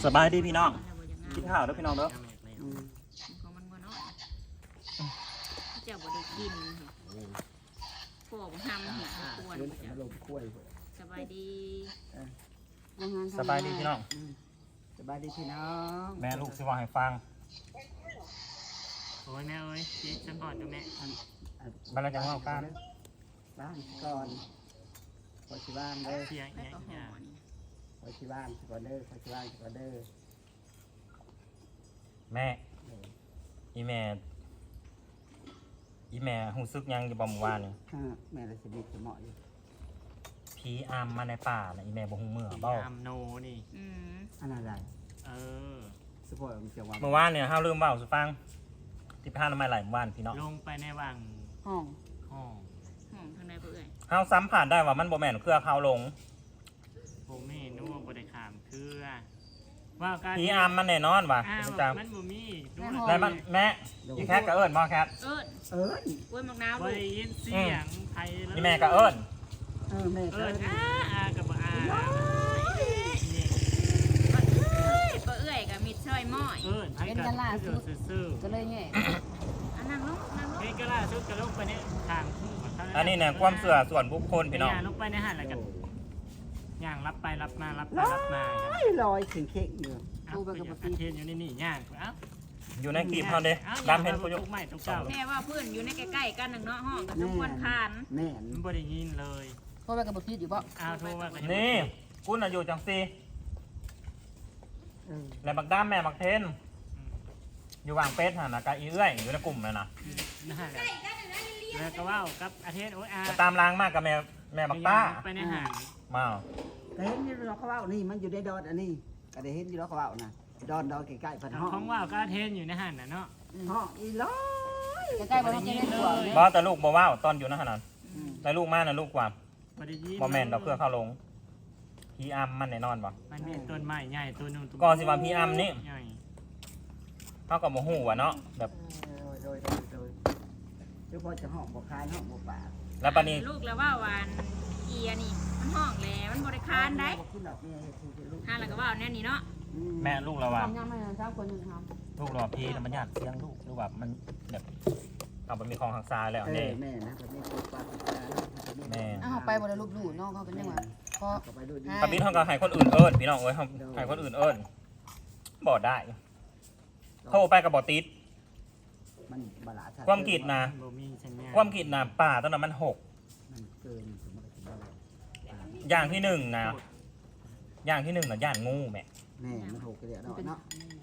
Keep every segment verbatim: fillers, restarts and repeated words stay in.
สบายดีพี่น้องกินข้าวเด้อพี่น้องเด้อของมันบ่น้อยเจ้าบ่ได้กินพวกห้ามเห็ดควรสบายดีสบายดีพี่น้องสบายดีพี่น้องแม่ลูกสิว่าให้ฟังโอ้ยแม่เอ้ยเจ๊จังก่อนดูแม่มันเราจะว่ากันบ้านก่อนขอชิบ้านเด้อเสียงแล้วเงี้ยก็หเงี้อย นขอชิบ้านก่อนเด้อขอชิบ้านก่อนเด้อแม่อีแม่อีแม่หูซึกยังอยู่บ่เมื่อวานนี่ฮะแม่ละสิบิดจะเหมาะอยู่ผีอามมาในป่าน่ะอีแม่บ่ฮู้เมื่อบ่ยามโนนี่อืมอันนั้นอะไรเออสปอยล์มันจะว่าเมื่อวานเนี่ยเฮาลืมเว้าสู่ฟังที่พาน้ำไม้ไหลเมื่อวานพี่น้องลงไปในวังห้องห้องหอมทางใดบ่เอ่ยเฮาสัมผัสได้ว่ามันบ่แม่นเครือเขาหลงโบเม่นัวบไดขามคือว่าการผีอามมันแน่นอนว่ะอ้าวจังมันบ่มีดูแล้วมันแม่อีแคทก็เอิ้นบ่แคทเอิ้นเอิ้นกล้วยมะนาวบ่ลูกได้ยินเสียงไทยเลยอีแม่ก็เอิ้นเออแม่เอิเอิ้ญนอาอากับอานี่บ่เอ้ยบ่เอ้ยก็มิดช่อยม้อยเอิญไทยกันซื่อก็เลยแง่อันนั่งลงนั่งลๆงเฮ้ยก็ล่าสุดก็ลงไปในทางคู่อันนี้เนี่ยความเชื่อส่วนบุคคลพี่น้องลงไปในหันแล้วกันย่างรับไปรับมารับไปลอรับมาครับยลอยถึงเค้กอยู่เอาไปกับประเทศอยู่ในนี่ย่างเอ้าอยู่ในคลิปเฮาเด้ดำเห็นกูอยู่ทุกไม้ทุกเจ้าแม่ว่าเพื่อนอยู่ในใกล้ๆกันนึงเนาะห้องก็สมควรคานแม่นมันบ่ได้ยินเลยเพราะว่ากับบทพีดอยู่บ่อ้าวโทรว่ากันนี่กูน่ะอยู่จังซี่เออแล้วบักด้ามแม่บักเทนอยู่วางเป็ดหั่นน่ะกะอีเอื้อยอยู่ในกลุ่มนั่นน่ะนะฮะแล้วก็ว่ากับอาเทศโอ้ยอาก็ตามล้างมากกับแม่แม่บักต้าไปในหันมาก็เห็นอยู่แล้วเขาเว้านี่มันอยู่ในดอนอันนี้ก็ได้เห็นอยู่แล้วเขาเว้านะดอนดอนใกล้ๆพันห้องของว่าก็อาเทศอยู่ในหันน่ะเนาะห้องอีลอยใกล้ๆบ่ต้องกินในตัวเลยบ่แต่ลูกบ่ว้าวตอนอยู่นั่นน่ะอืมแต่ลูกมาน่ะลูกกว่าบ่ได้ยินบ่แม่นดอกเพื่อเข้าลงพี่อัมมันแน่นอนบ่มันมีต้นไม้ใหญ่ต้นนึงก่อนสิว่าพี่อัมนี่ใหญ่เฮาก็บ่ฮู้ว่าเนาะแบบโดยโดยโดยเจ้าพ่อจะห้องบ่คายห้องบ่ปากแล้วบัดนี้ลูกแล้วว่าวันเอียนี่มันห้องแล้วมันบ่ได้คานได้บ่ขึ้นดอกเนี่ยคือจะลูกหาแล้วก็ว่าแน่นี่เนาะอืแม่ลูกเราว่าทำยำให้เจ้าคนหนึ่งทลูกเราว่าพี่น่ะมันยากเสียงลูกหรือว่ามันแบบเอามันมีของทางซ้ายแล้วเอนี่อแม่นะแบบนี้ตัวปลาตัวปลาแม่ำอ้าวไปบ่ได้รูปดูน้องเขาเป็นยังไงเพราะก็ไปดูดีปะบิดเฮาก็ให้คนอื่นเอิ้นพี่น้องเอ้ยเฮาให้คนอื่นเอิ้นบ่ได้โทรไปก็บ่ติดมันบลาดความคิดนะบ่มีสัญญาณความคิดน่ะป่าตอนนั้นมันหกมันเกินสมมติว่าอย่างที่หนึ่งนะอย่างที่หนึ่งน่ะย่านงูแม่แม่มันถูกกันเดียวเนาะเนาะ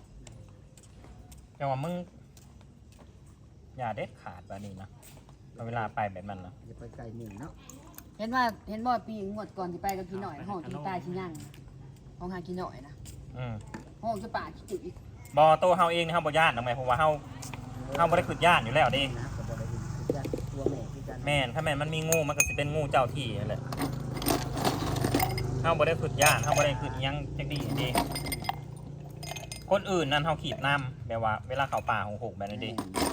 แต่ว่ามึงอย่าเด็ดขาดแบบนี้นะเอาเวลาไปแบบนั้นนะจะไปไกลหนึ่งเนาะเห็นว่าเห็นบ่ปีงวดก่อนที่ไปกับพี่หน่อยห้องกินตายชิ้นยังห้องหากินหน่อยนะอืมห้องจะป่าขี้จุอีกบอโตวเฮาเองนี่เฮาบ่ย่านทำไมเพราะว่าเฮาเฮาบ่ได้ขึ้นย่านอยู่แล้วเดินะก็บ่ได้ยินคือจะตัวแม่คือกันแม่นถ้าแม่นมันมีงูมันก็สิเป็นงูเจ้าที่นั่นแหละเฮาบ่ได้ขึ้นย่านเฮาบ่ได้ขึ้นอิหยังจักดีเดิคนอื่นนั่นเฮาขีดน้ำแบบว่าเวลาเข้าป่าของหกแบบนี้เดิ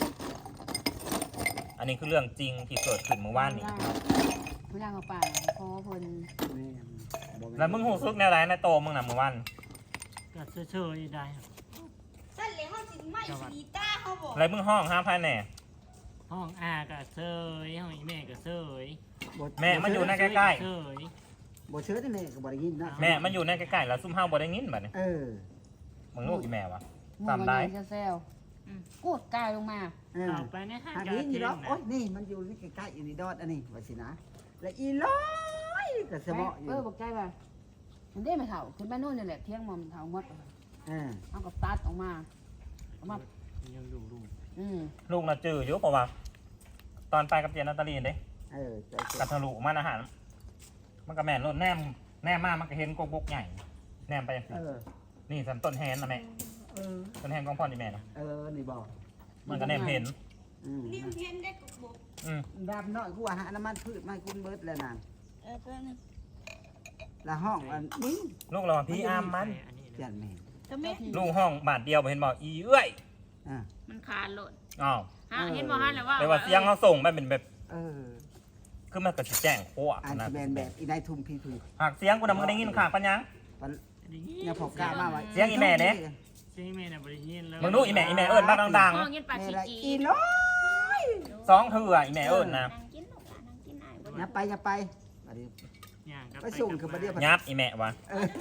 อันนี้คือเรื่องจริงที่เกิดขึ้นเมื่อวานนี้ไม่ย่างเขาป่าเพราะเพิ่นแม่แล้วมึงหูซึกแนวไหนในโตมึงน่ะเมื่อวานก็เฉยๆได้ครับสั่นเลยห้องสิไม่สีตาเขาบอกแล้วมึงห้องห้ามภายแน่ห้องอาก็เฉยห้องอีแม่ก็เฉยแม่มันอยู่ในใกล้เฉยบ่เชื่อที่แม่ก็บ่ได้ยินนะๆแม่มันอยู่ในใกล้ๆแล้วซุ่มเฮาบ่ได้ยินบัดนี้เออมึงลูกอีแม่วะงูตามมันได้ใหญ่แซวกูดกายลงมาเออเอาไปในห้างทางกานี้เทนี่นเนาะนะโอ้ยนี่มันอยู่ใกล้ๆอยู่ในดอดอันนี้ว่าสินะและอีลอยก็สมออยู่เออบอกใจว่ามันได้ไม่เท่าคุณแม่นู่นนี่แหละเที่ยงมอมเท่าหมดเออเอากับตัดออกมาออกมายังดูดูอืมลูกน่ะจื้ออยู่เพราะว่า ตอนไปกับเจนนาตาลีนเด้เออใจกัทะลุมันอาหาร มันก็แม่นรถแนมแนมมามันก็เห็นกกบกใหญ่ แนมไปจังซี่เออนี่สันต้นแฮนนะแม่เออต้นแฮนของพ่อนี่แม่นะเออนี่บอกมันก็แนมเห็นอืมริมเพียนได้กบอกอืมดำน้อยกูว่าหาน้ำมันพืชมาให้คุณเบิดแล้วนางเออเพื่อนละห้องอันนี้ลูกเราว่าพี่อามมันอันนี้เปลี่ยนแม่ทำไมลูกห้องบาทเดียวบ่เห็นบอกอีเอ้ยอ่ามันคานโลดอ้าวฮะเห็นบ่ฮะแล้วว่าแปลว่าเสียงเขาส่งไปเป็นแบบเออคือมันก็สิแจ้งโคตรอันนะที่แบนแบบอีนายทุ่มพี่ทุยหากเสียงกูน่ะมึงได้ยินข้างปัญญังมันเนี่ยพบกล้ามาไว้เสียงอีแม่เด้เสียงอีแม่น่ะบ่ได้ยินเลยมึงดูอีแม่อีแม่เอิ้นบ้างดังห้องเงี้ยปลาแม่ชีละจีอีน้อยๆสองเถื่ออีแม่เอิ้นนะนางกินหนูละนางกินไอ้บ่อย่าไปอย่าไปบัดนี้ย่างกลับไปส่งคือบ่เดียวยับอีแม่วะเออ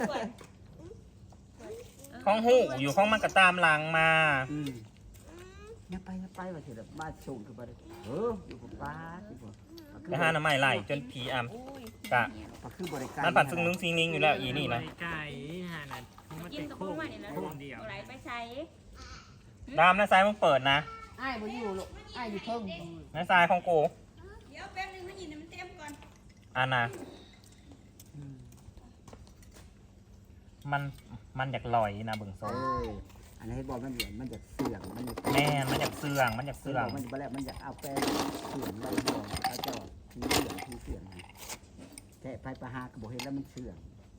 ของหูอยู่ของมันก็ตามหลังมาอืมอย่าไปอย่าไปว่าสิแบบมาส่งคือบ่ได้เอออยู่กับป้าสิบ่ไปหาหน้ำไม้ไล่จนผีอ่ำกะก็คือบริการมันปัดซึ่งนึงซิงนิงอยู่แล้วอีนี่นะไก่หาน่ะมันกิเป็น นกับพโค้วกงมันนี่นะโค้งเดียวไหลไปใส่ดามนะซ้ายมึงเปิดนะอ้ายบ่อยู่ลูกอ้ายอยู่เพิ่งนะซ้ายของกูเดี๋ยวแป๊บนึงมันยินมันเต็มก่อนอันน่ะอืมมันมันอยากลอยนะเบิ่งโซเอออันนี้ให้บอกมันเหมือนมันอยากเสื่องมันอยากแม่นมันอยากเสื่องมันอยากเสื่เสื่ออง งมันอยู่แล้วมันอยากเอาแป้งเสื่องไว้บ่เอาเจ้าทีเสื่องทีเสื่องนะแค่ไปประหากระบอกเห็นแล้วมันเสื่อง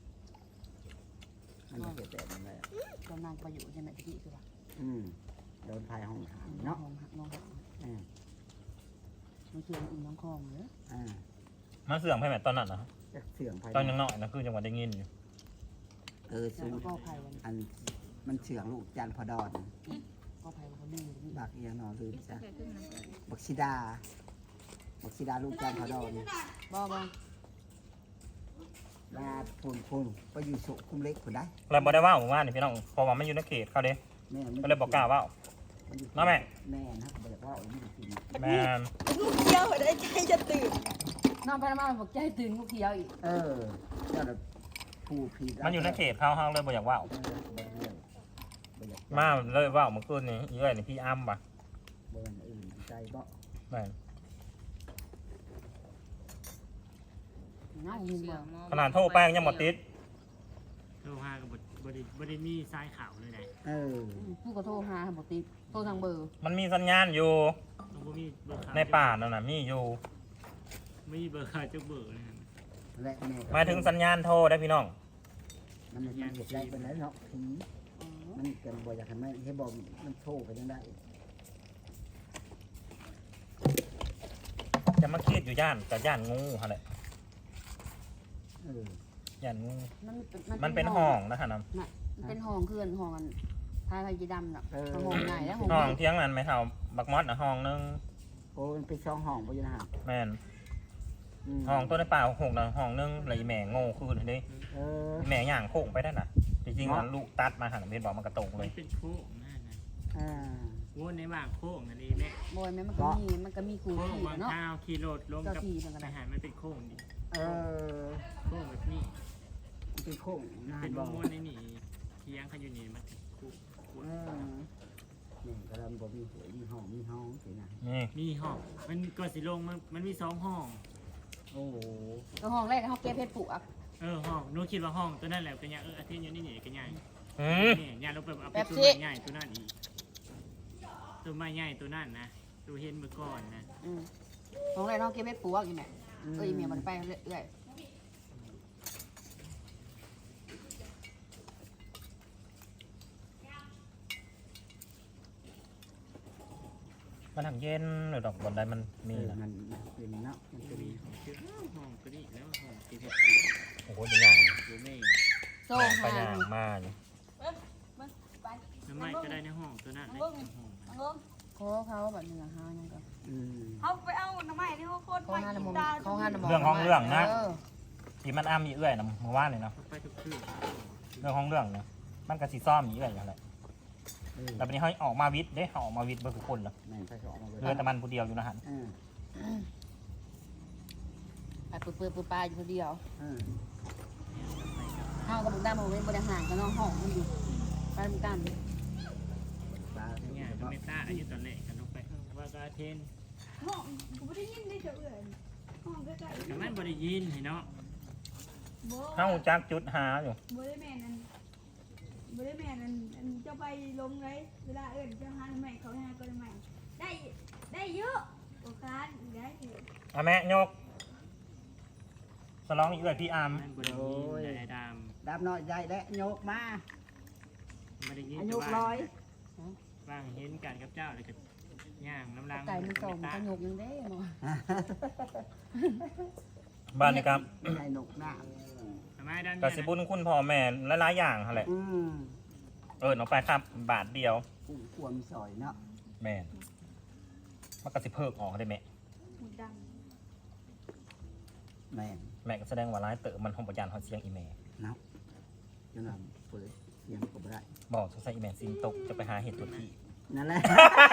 มันจะเห็นแบบนั้นแหละตอนนางไปอยู่ใช่ไหมตะกี้คือว่าอืมโดนพายห้องหางเนาะเนาะมองหักมองหักอืมมันคืออีน้องคองเด้ออ่ามันเสื่องไปแบบตอนนั้นนะจะเสื่องภายตอนยังน้อยนะคือจังหวะได้ยินอยู่เออแล้สู้วก็ภัยวันอันมันเสื่องลูกจันทร์พอดอนก็ภัยวันเขาดื้อนี่บักเอียงนอนลืมจ้ะเกิดขึ้นนะบักซิดาบักซิดาลูกจันทร์พอดอนบ่บ่ลาพูนพูนไปอยู่สุคุมเล็กคนได้เราบอกได้ว่าผมว่านี่พี่น้องเพอว่ามันอยู่ในเขตเขาเด้แม่มันก็เลยบอกกล้าว่ามันอยู่มาแม่แม่นะบอกว่าเอาไม่ได้กินแม่นลูกเดียวได้ใจจะตื่นน้องพนมาบอกใจตึงลูกเขียวอีกเออเจ้าน่ะผู้ผิดมันอยู่ในเขตเขาเขาเลยบอกอยากว่าเออบ่เรื่องบ่อยากมาเลยว่าเมื่อคืนนี้อีเอ้ยนี่พี่อ้ำป่ะบ่อย่างอื่นใจบ่แม่นน้องมีบ่ขนาดโทรแป้งยังหมดติดโทรหากับบบ่ได้บ่ได้มีสายข่าวเลยนะเออผู้ก็โทรหาบ่ติดโทรทางเบอร์มันมีสัญญาณอยู่มันบ่มีเบอร์ข่าวในป่านั่นน่ะมีอยู่ไม่มีเบอร์ข่าวจักเบอร์เลยนะและแม่ก็หมายถึงสัญญาณโทรได้พี่น้องมันมันเห็ดได้เป็นแล้วเนาะผีอ๋อมันเกินบ่อยากให้มันให้บอกมันโทรไปยังได้จะมาคิดอยู่ย่านแต่ย่านงูฮะแหละเออย่านงูมันเป็นมันเป็นห้องนะฮะนะน่ะมันเป็นห้องเคลื่อนห้องอันพายพายจีดำน่ะมันห้องใหญ่แล้วห้องห้องเที่ยงนั้นไหมเท่าบักมอดนะห้องนึงโอ้มันเป็นช่องห้องบ่อยู่นะฮะแม่นมห้องตัวในป่าหกนะห้องนึงเลยแม่โง่คืนนี่เออแม่ย่างโค้งไปได้น่ะจริงๆมันลูกตัดมาหันเบนบอกมันกระตกเลมัยนเป็นโค้งนั่นนะอ่าวนในว่างโค้งนั่นเองแม่บอยแม่มันก็มีมันก็มีครูโค้งขี่บางเนาะข้าวขี่รถลงกับเจ้าที่มันก็ได้ทหารมันเป็นโค้งดิเออโค้งแบบนี้มันเป็นโค้งหน้าเป็นบ่ม้วนในนี่เที่ยงเขาอยู่นี่มันเป็นโค้งเออนี่กำลังบ่มีหวยมีห้องมีห้องสินะนี่มีห้องมันก็สิลงมันมันมีสองห้องโอ้โหก็ห้องแรกเขาเก็บเพชรปลูกอ่ะเออห้องหนูคิดว่าห้องตัวนั่นแหละก็ยังเอออาทิตย์อยู่นี่นี่ก็ยังอืมนี่ยาลงไปเอาไปแบบตัวที่ใหญ่ตัวนั่นอีกตัวไม้ใหญ่ตัวนั่นนะตัวเห็นเมื่อก่อนนะอืมห้องแรกเขาเก็บเพชรปลูกอีแม่เอ้ยเมียมันไปเรื่อยมันทางเย็นหรือดอกบนใดมันมีมีนะมันเป็นเนาะมันตัวเป็นนี้ของชื่อห้องตัวนี้แล้วห้องที่เพชรโอ้โหเป็นอย่างตัวแม่ๆโซ่ไปหาอย่างมาอยู่ไปน้ำไม้ก็ได้ในห้องตัวนั้นในห้องเอาเบิ่งขอเขาแบบนี้หายังก็อืมเอาไปเอาหน่อไม้ที่เขาโคตรเขาไม้หากิน้ำมนนตาเขาหาน้ำมนเรื่องของเรื่องนะเออที่มันอ้ามมีเอื้อยนะเมื่อวานนี่เนาะไปทุกคืนเรื่องของเรื่องเนี่ยมันกระสีซ่อมมีเอื้อยอย่างไรเออแต่วันนี้เขาออกมาวิทย์เด้เขาออกมาวิทย์เบอร์ทุกคนเลยแม่นไปสองมาเลยเรือแต่มันผู้เดียวอยู่นะฮะเออไปเปื่อยเปื่อยเปื่อยปลาอยู่คนเดียวเออห้องกับบุกดามันเป็นบริหารกับน้องห้องมันอยู่ไปเหมือนกันปลาเนี่ยก็ไม่ต้าอายุตอนแรกกันลงไปว่ากาเทนห้องกูไม่ได้ยินได้เจ้าเอื่อยห้องใกล้ๆแต่มันบริยินเห็นเนาะบ่เข้าจักจุดหาอยู่บ่ได้แม่นั่นบ่ได้แม่นั่นอันเจ้าไปลงไรเวลาเอื่นเจ้าหาหน่อไม้เขาหาก็หน่อไม้ได้ได้เยอะโอกาสได้เยอะเอาแม่ยกสลองอีเอื้อยพี่อาร์มมันบริยินแต่ดดำน้อยใหญ่และโยกมาำบริยินอาจะยุว่าร้อยว่างเห็นกันกับเจ้าเลยก็ย่างน้ำลังไก่มันส่งตาขยกยังได้เนาะบ้านนี่ครับให้นกหน้าทำไมดกันก็สิบุญคุณพ่อแม่หลายๆอย่างหั่นแหละอืมเออน้องไปครับบาทเดียวกุ้งควมซอยเนาะแม่นมันก็สิเพิกออกได้แม่หมูดังแม่นแม่ก็แสดงว่าร้ายเต๋อมันห้องประยานฮอดเสียงอีแม่เนาะจนนั้นเปิดเสียงก็บ่ได้บอกสงสัยอีแม่ซิมตกจะไปหาเห็ดตัวที่นั่นแหละ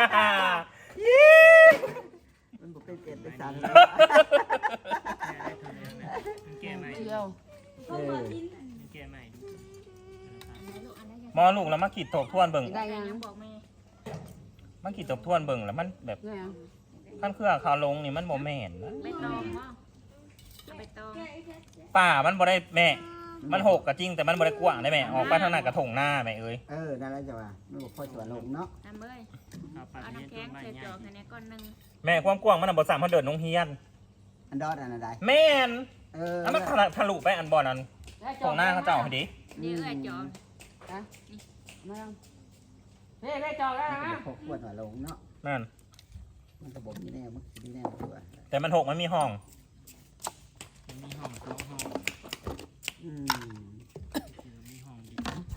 มันบ่เป็นเกณฑ์เป็นสารแก้ใหม่เที่ยวเพราะว่าลิ้นอันแก้ใหม่หมอลูกแล้วมาขีดตบทวนเบิ่งได้ได้ยังยังบอกแม่มันขีดตบทวนเบิ่งแล้วมันแบบได้ยังขั้นเครื่องเขาลงนี่มันบ่แม่นนะใบตองบ่เอาใบตองแกะแกะแกะป่ามันบ่ได้แม่ มันหกก็จริงแต่มันบ่ได้กว้างได้แม่ออกไปทางหน้ากระถงหน้าแม่เอ้ยเออนั่นแหละจ้ะว่ามันบ่ค่อยสวนลงเนาะทำเอ้ยเอาปลาเอาเนี้ยน้ำตัวแข็งใหม่ใส่ใหญ่จอกให้ในก้อนหนึงแม่ความกว้างมันนะบ่สามารถเดินลงเฮียนอันดอดอันนั้นใดแม่นเออแล้วมันทะลุทะลุไปอันบ่อนั้นของหน้าเขาเจ้าให้ดิเดี๋ยวเอ้ยจอกนะมายังเฮ้ยได้จอกแล้วมันก็นะบ่ค่อยควรว่าลงเนาะนั่นมันก็บ่มีแนวมันสิมีแนวตัวแต่มันหกมันมีห้องมันมีห้องสองห้องอืมมีห้องดี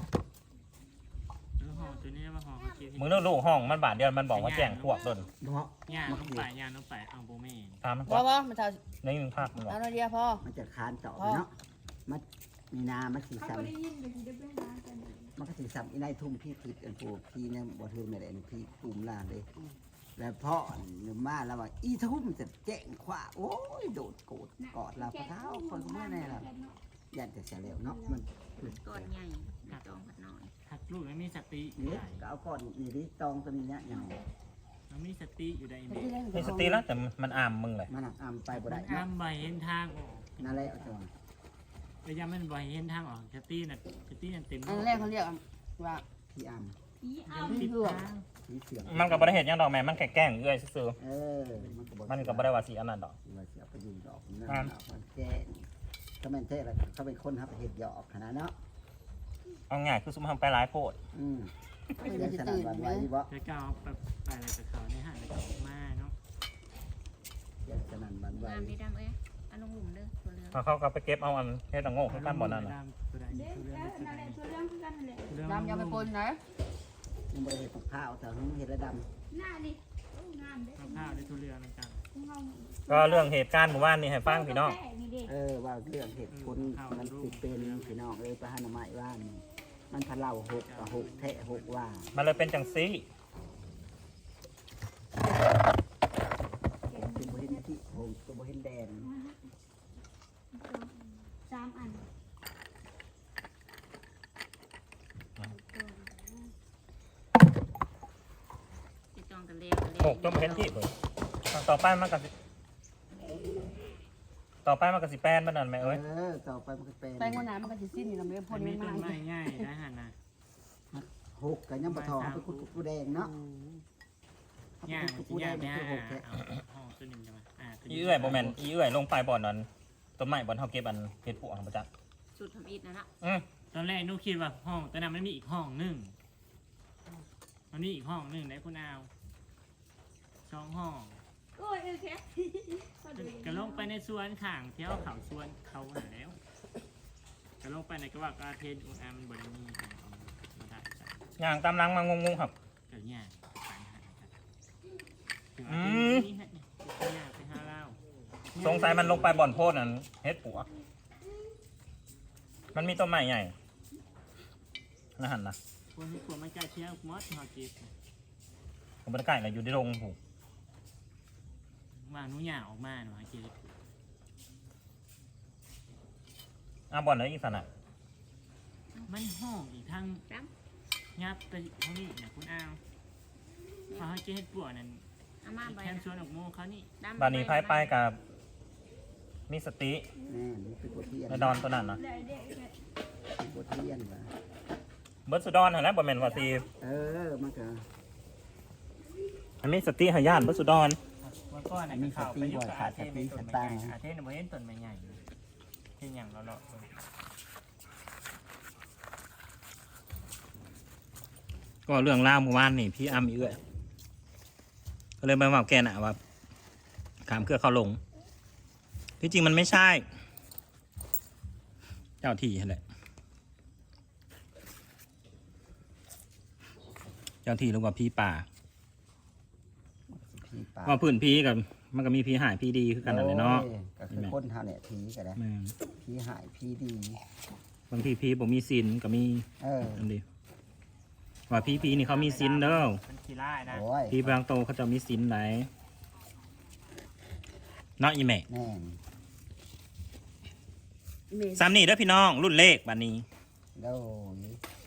แล้วห้องตัวนี้ว่าห้องเขาเก็บมึงเลือกลูกห้องมันบาทเดียวมันบอกว่าแจ้งพวกต้นเนาะย่างลงไปย่างลงไปเอาโบเมนตามมันว่าว่ามันเท่าในหนึ่งภาคมึงบอกเอาหน่อยเดียวพอมันจะคานเจาะไปเนาะมันมีนามันสีเขาซ้ก็ได้ยินเดี๋ยวสิได้ไปหากันำมันก็สีซ้ำอีนายทุ่มพี่ผิดอันปูพี่เนี่ยบ่ทุ่มไม่ได้อันพี่ตุ่มล่างเลย แล้วพ่อหนุ่มมาแล้วว่าอีทุ่มจะแจ้งขวาโอ้ยโดดโกรธกอดเราพระเท้าคนก็ไม่แน่ละยันจะเสียแล้วเนาะมันก้อนใหญ่ใบตองผัดน้อยหักลูกแล้วมีสตินี่ก็เอาก่อนนี่ดิตองตัวนี้เนี่ยอย่างมันมีสติอยู่ในเมมีสติแล้วแต่มันอามมึงเลยมันอ่ำไปบ่มัได้นเนาะอ้ำใบเห็นทางออกนั่นแหละเอาจังระยะมันใบเห็นทางออกสติน่ะสตินั่นเต็มอันแรกเขาเรียกว่าพี่อ่อีอ้าติดทางำพี่เสียงมันก็บ่ได้เห็นยังดอกแม่มันแค่แกล้งเอื้อยซื่อเออมันก็บ่ๆมันก็บ่ได้ว่าสีอันนั้นดอกว่าเสียไปยิงดอกนั่นมันแจ้งก็แม่นแท้แล้วเขาเป็นคนครับเห็ดหยอกขนาดเนาะเอาง่ายคือซุมทำไปหลายโพดอืมเสียงสนั่นหวันไหวบ่แต่ก็เอาไปไปอะไรกับเขาในห้างแล้วก็ออกมาเนาะเสียงสนั่นหวันไหวงามดีดำเอ้ยเอาลงหลุมเด้อตัวเรืองพอเขาก็ไปเก็บเอาอันเฮ็ดตังโง่คือกันบ่นั่นน่ะตัวใดเด็กตัวเรืแล้อวนั่นแหละตัวเรื่องคือกันนั่นแหละดำยำไปปนไหนยังบ่ได้เห็ดกับข้าวแต่เพิ่งเห็ดระดหน้าดิโอ้งามเด้ข้าวๆในตัวเรือนั่นกันของเราก็เรื่องเหตุการณ์หมู่บ้านนี่ให้ฟังพี่น้องนี่เด็กำเออว่าเรื่องเห็ดคนมันสิเป็นพี่น้องเอ้ยประหารไม้ว่านมันพะเล่าหกกับหกแทะหกว่ามันเลยเป็นจังซี่เป็นบ่เห็นที่หงก็บ่เห็นแดนสามอันใบตองกันเลี้ยวกันเลี้หกจนบ่เห็นที่เพิ่นต่อไปมันก็สิต่อไปมันก็สิแป้นมันนั่นแม่เอเอ้ยอต่อไปมันก็เป็นแปลงวันน้ำมันก็จะสิ้นนี่เราไม่ได้พ่มัน นมีไม่ต้มานไม้ง่ายนะฮะนะหกกับยังบ่ทองเป็นกุดกุดแดงเนาะย่างกุดที่กุดแดย่างงเนี่ยคือหกแทะเอาห้องตัวหนึ่งจะมาอ่าตัวอีเอื้อยบ่แม่นอีเอื้อยลงไปบ่อนนั้นต้นไม้บ่อนเฮาเก็บอันเฮ็ดปวกบ่จักสุดทำอิดนะนะอือตอนแรกนุคิดว่าห้องแต่นั้นมันมีอีกห้องหนึ่งมันมีอีกห้องหนึ่งได้คุณอาวสองห้องโอ้ยโอเคก็ลงไปในสวนข้างเที่ยวเขาสวนเขาหาแล้วก็ลงไปในกระว่ากระเทนอุณอามันบริมีมาได้ใส่ย่างตามหลังมางงๆครับเกิดเนี่ยไปหากันถึงอืเอามที่นี่ฮะเนี่ยไปหาไปหาเล่าสงสัยมันลงไปบ่อนโพดนั่นเฮ็ดปวกมันมีต้นไม้ใหญ่นั่นหั่นน่ะคนที่ควรมันใกล้เที่ยวมอสฮอกิสผมบ่ได้ใกล้น่ะอยู่ในโรงผูกวางนุ่งยางออกมาหนูฮะกิสอ่ะบ่อนไหนอีกซั่นน่ะมันห้องอีกทางยับไปทางนี้เนี่ยคุณอาวพอฮะกิสเฮ็ดปวดนั่นเอามาใบแคมชวนออกโมเขานี่บ้านนี้พายไปกับมีสติแน่นี่เป็นกุดเทียนในดอนตัวนั้นน่ะเด็กเด็กเป็นกุดเทียนว่ะเบิดสุดอนหั่นแหละบ่แม่นว่าสิเออมันก็อันนี้สติหายานเบิดสุดอนวันก่อนน่ะมีสติบ่ขาดสติสตางค์อาเทนบ่เห็นต้นไม้ใหญ่เห็นอย่างเราเลาะก็เรื่องราวเมื่อวานนี่พี่อ้ำอีเอื้อยก็เลยมาบอกแกน่ะว่าขามเครือเขาลงที่จริงมันไม่ใช่เจ้าที่นั่นแหละเจ้าที่หรือว่าพี่ป่าผีป่าว่าพื้นพี่กับมันก็มีพี่หายพี่ดีคือกันนั่นแหละเนาะโอ้ยก็คือคนเฮาเนี่ยผีก็ได้แม่นผีหายผีดีบางทีพี่บ่มีศีลก็มีเอออันเดียวว่าพี่พี่นี่เขามีศีลเด้อมันขี้ร้ายนะโอ้ยพี่บางโตเขาจะมีศีลไหนเนาะอีแม่แน่นเมซ้ำนี่เด้อพี่น้องรุ่นเลขบัดนี้โอ้ย